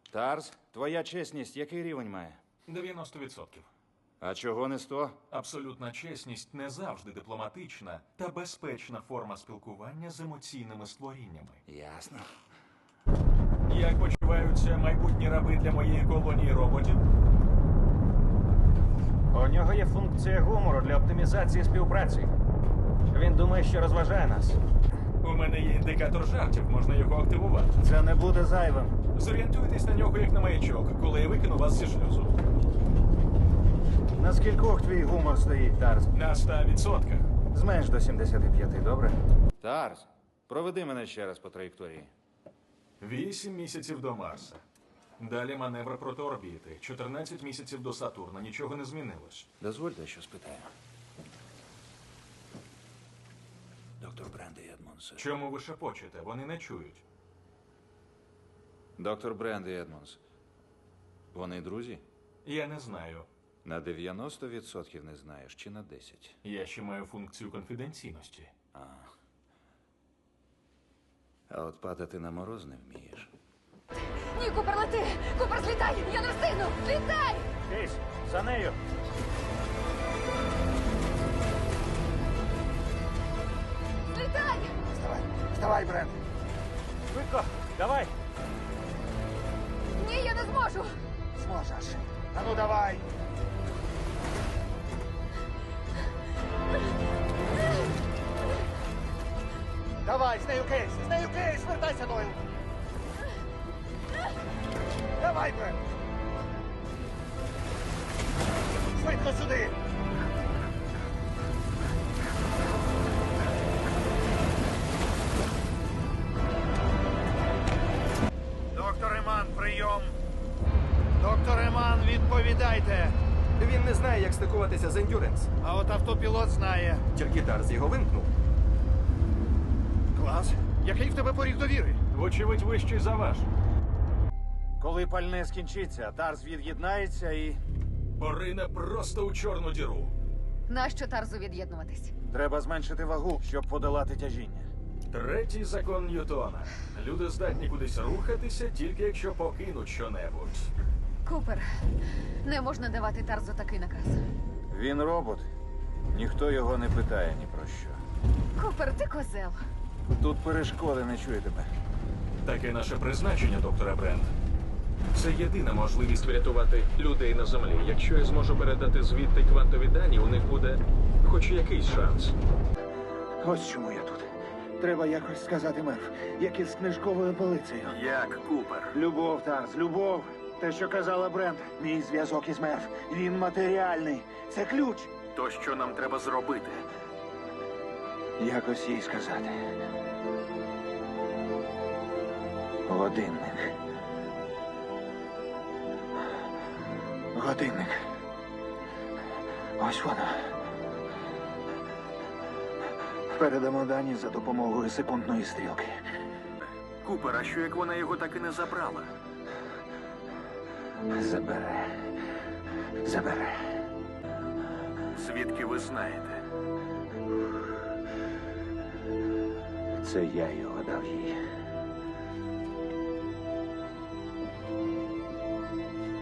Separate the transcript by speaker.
Speaker 1: Тарс, твоя чесність який рівень має?
Speaker 2: 90%.
Speaker 1: А чого не 100?
Speaker 2: Абсолютна чесність не завжди дипломатична та безпечна форма спілкування з емоційними створіннями.
Speaker 1: Ясно.
Speaker 2: Як почуваються майбутні раби для моєї колонії роботів?
Speaker 3: У нього є функція гумору для оптимізації співпраці. Він думає, що розважає нас.
Speaker 2: У мене є індикатор жартів, можна його активувати.
Speaker 3: Це не буде зайвим.
Speaker 2: Зорієнтуйтесь на нього як на маячок, коли я викину вас зі шлюзу.
Speaker 1: На скількох твій гумор стоїть, Тарс?
Speaker 2: На 100%.
Speaker 1: Зменш до 75, добре? Тарс, проведи мене ще раз по траєкторії.
Speaker 2: 8 місяців до Марса. Далі маневр проти орбіти. 14 місяців до Сатурна. Нічого не змінилось.
Speaker 1: Дозвольте, що спитаю. Доктор Бренді Едмонс.
Speaker 2: Чому ви шепочете? Вони не чують.
Speaker 1: Доктор Бренді Едмонс. Вони друзі?
Speaker 2: Я не знаю.
Speaker 1: На 90% не знаєш, чи на 10?
Speaker 2: Я ще маю функцію конфіденційності.
Speaker 1: А от падати на мороз не вмієш.
Speaker 4: Ні, Купер, лети! Купер, злітай! Я не встигну! Злітай!
Speaker 3: Кейс, за нею.
Speaker 4: Злітай!
Speaker 5: Вставай, Брент.
Speaker 3: Швидко, давай.
Speaker 4: Ні, я не зможу!
Speaker 5: Зможеш. А ну давай. Давай, з нею кейс, вертайся, Дойл. Давай, Брент. Швидко сюди. Доктор Еман, прийом. Доктор Еман, відповідайте.
Speaker 6: Він не знає, як стикуватися з Ендюренс.
Speaker 5: А от автопілот знає.
Speaker 6: Тільки Тарс його вимкнув.
Speaker 5: Клас. Який в тебе поріг довіри?
Speaker 2: Вочевидь, вищий за ваш.
Speaker 1: Коли пальне скінчиться, Тарс від'єднається і...
Speaker 2: Порине просто у чорну діру.
Speaker 4: Нащо Тарзу від'єднуватись?
Speaker 1: Треба зменшити вагу, щоб подолати тяжіння.
Speaker 2: Третій закон Ньютона. Люди здатні кудись рухатися, тільки якщо покинуть щонебудь.
Speaker 4: Купер, не можна давати Тарзу такий наказ.
Speaker 1: Він робот. Ніхто його не питає ні про що.
Speaker 4: Купер, ти козел.
Speaker 1: Тут перешкоди, не чую тебе.
Speaker 2: Таке наше призначення, докторе Брент. Це єдина можливість врятувати людей на землі. Якщо я зможу передати звідти квантові дані, у них буде хоч якийсь шанс.
Speaker 5: Ось чому я тут. Треба якось сказати Мерф, як із книжковою полицею.
Speaker 6: Як Купер?
Speaker 5: Любов, Тарс, любов. Те, що казала Брент. Мій зв'язок із Мерф. Він матеріальний. Це ключ.
Speaker 6: То що нам треба зробити?
Speaker 5: Якось їй сказати. Годинник. Годинник. Ось воно. Передамо дані за допомогою секундної стрілки.
Speaker 6: Купер, а що як вона його так і не забрала?
Speaker 5: Забере. Забере.
Speaker 6: Звідки ви знаєте?
Speaker 5: Це я його дав їй.